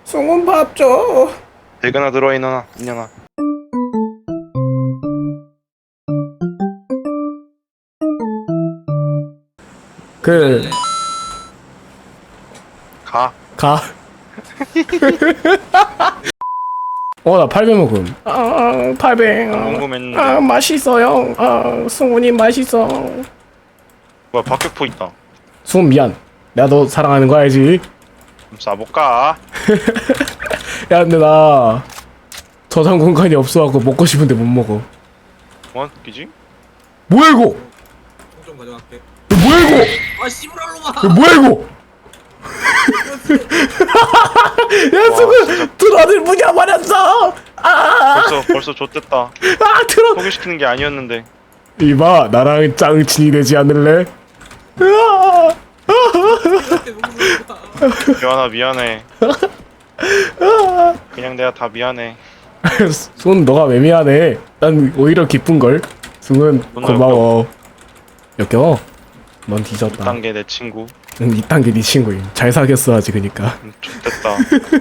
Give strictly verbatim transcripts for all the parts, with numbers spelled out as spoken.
숭은 밥 줘. 대근아 들어 이년아 이년아. 그 가. 가. 어, 나 팔백 먹음. 아, 팔백. 안 궁금했는데. 아, 맛있어요. 아, 승훈이 맛있어. 뭐야 박격포 있다. 승훈 미안. 내가 너 사랑하는 거 알지? 좀 쏴볼까? 야, 근데 나 저장 공간이 없어갖고 먹고 싶은데 못 먹어. 뭐 웃기지? 뭐야 이거? 좀 가져갈게. 이거 뭐야 이거? 아 씨부랄로마. 이거 뭐야 이거? 야, 승훈 드론을 무녀버렸어. 아, 벌써 벌써 좆됐다. 아, 드론. 소개시키는 게 아니었는데. 이봐, 나랑 짱친이 되지 않을래? 으아! 미안하 미안해. 그냥 내가 다 미안해. 승훈, 너가 왜 미안해? 난 오히려 기쁜걸. 승훈, 고마워. 역겨워. 넌 뒤졌다. 이딴 게 내 친구. 응, 이딴 게 네 친구임. 잘 사귀었어야지, 그니까. 음, 좆됐다.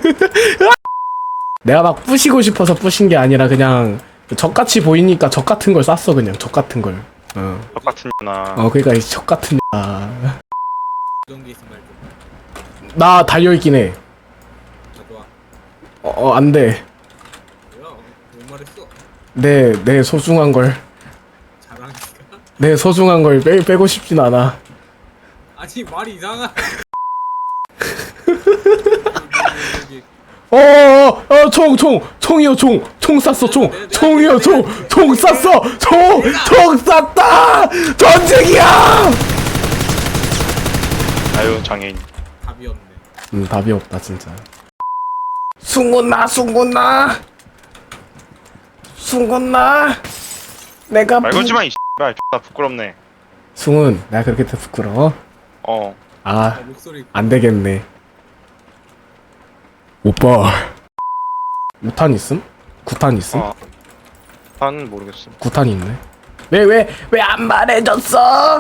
내가 막 부시고 싶어서 부신 게 아니라 그냥 적 같이 보이니까 적 같은 걸 쐈어, 그냥. 적 같은 걸. 어. 똑같은 나. 어, 그니까 이 적 같은 아. 이런 게 있으면 말좀 나 달려있긴 해. 가져와. 어, 어, 안 돼. 뭐야? 못 말했어. 내, 내 소중한 걸. 자랑이가? 내 소중한 걸 빼, 빼고 싶진 않아. 아니 말이 이상하. 여기, 어, 어, 어, 총, 총, 총이요, 총, 총 쐈어, 총, 총이요, 총, 총 쐈어, 총, 총 쐈다, 전쟁이야. 아유 장애인. 답이 없네. 음, 답이 없다 진짜. 숭구나, 숭구나, 숭구나, 내가 말 걸지마 이 씨발. 나 부끄럽네. 숭은 내가 그렇게 더 부끄러워? 어. 아, 아, 목소리. 안 되겠네. 오빠, 우탄 있음? 구탄 있음? 어. 난 모르겠어. 구탄이 있네. 왜, 왜, 왜 안 말해줬어?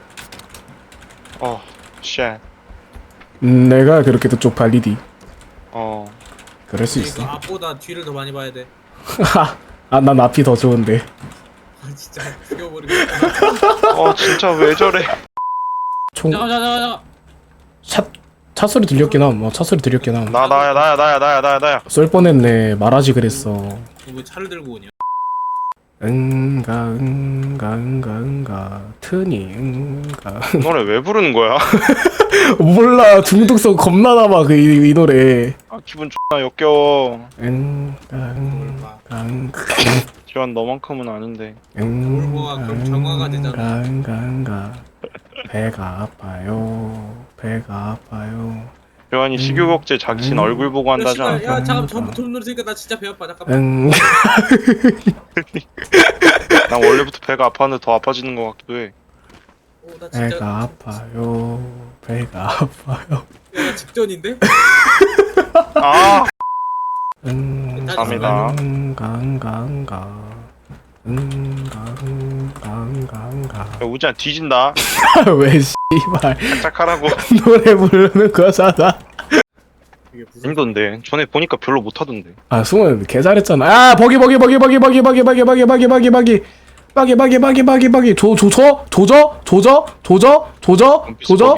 어. 쉣. 음, 내가 그렇게 더 쪽팔리디. 어. 그럴 수 그러니까 있어. 앞보다 뒤를 더 많이 봐야 돼. 아, 난 앞이 더 좋은데. 아 진짜 죽여버리겠다. 어 진짜 왜 저래? 총, 잠깐 잠깐 잠깐. 차, 차 소리 들렸긴 함. 어, 차 소리 들렸긴 함. 나 나야 나야 나야 나야 나야 나야. 쏠 뻔했네. 말하지 그랬어. 왜 차를 들고 오냐? 응가, 응가, 응가, 응가. 트니, 응가. 이 노래 왜 부르는 거야? 몰라. 중독성 겁나 남아, 그, 이, 이 노래. 아 기분 존나 역겨워. 응가, 응가, 응가. 기완 너만큼은 아닌데. 울보가 그럼 정화가 되잖아. 응가, 응가. 배가 아파요. 배가 아파요. 기완이 식욕억제 자신 얼굴 보고 야, 한다지 씨발, 않아? 야 잠깐 전부 돈 누르니까 나 진짜 배 아파. 잠깐만. 응. 난 원래부터 배가 아팠는데 더 아파지는 것 같기도 해. 오, 나 진짜. 배가 아파요. 배가 아파요. 야, 나 직전인데? 아 응. 감사합니다. 응가, 응가, 응가. 응가, 응가, 응가, 응가. 야, 우지야 뒤진다. 왜 씨발 짝짝하라고. 노래 부르는 거잖아. 이게 무슨 힘든데 전에 보니까 별로 못하던데. 아, 승훈 개 잘했잖아. 아, 버기 버기 버기 버기 버기 버기 버기 버기 버기 버기 버기 버기 버기 버기 버기 버기 조 조조 조저 조저 조저 조저 조저.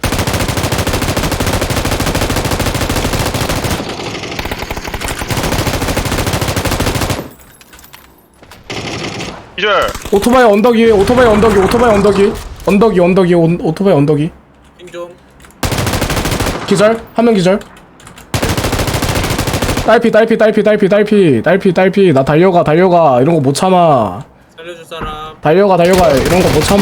이절. 오토바이 언덕 위, 오토바이 언덕 위, 오토바이 언덕 위, 언덕 위, 언덕 위, 온- 오토바이 언덕 위. 힘좀 기절, 한 명 기절. 딸피, 딸피, 딸피, 딸피, 딸피, 딸피, 딸피. 나 달려가, 달려가. 이런 거 못 참아. 살려줄 사람. 달려가, 달려가. 이런 거 못 참아.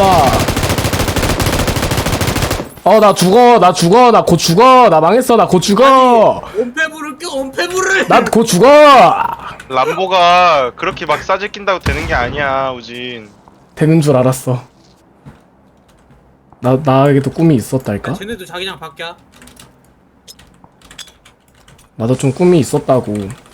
어, 나 죽어, 나 죽어, 나 곧 죽어. 나 망했어, 나 곧 죽어. 온패물을 껴 온패물을. 나 곧 죽어. 람보가 그렇게 막 싸질 낀다고 되는 게 아니야 우진. 되는 줄 알았어. 나, 나에게도 꿈이 있었달까? 쟤네도 자기장 밖이야. 나도 좀 꿈이 있었다고.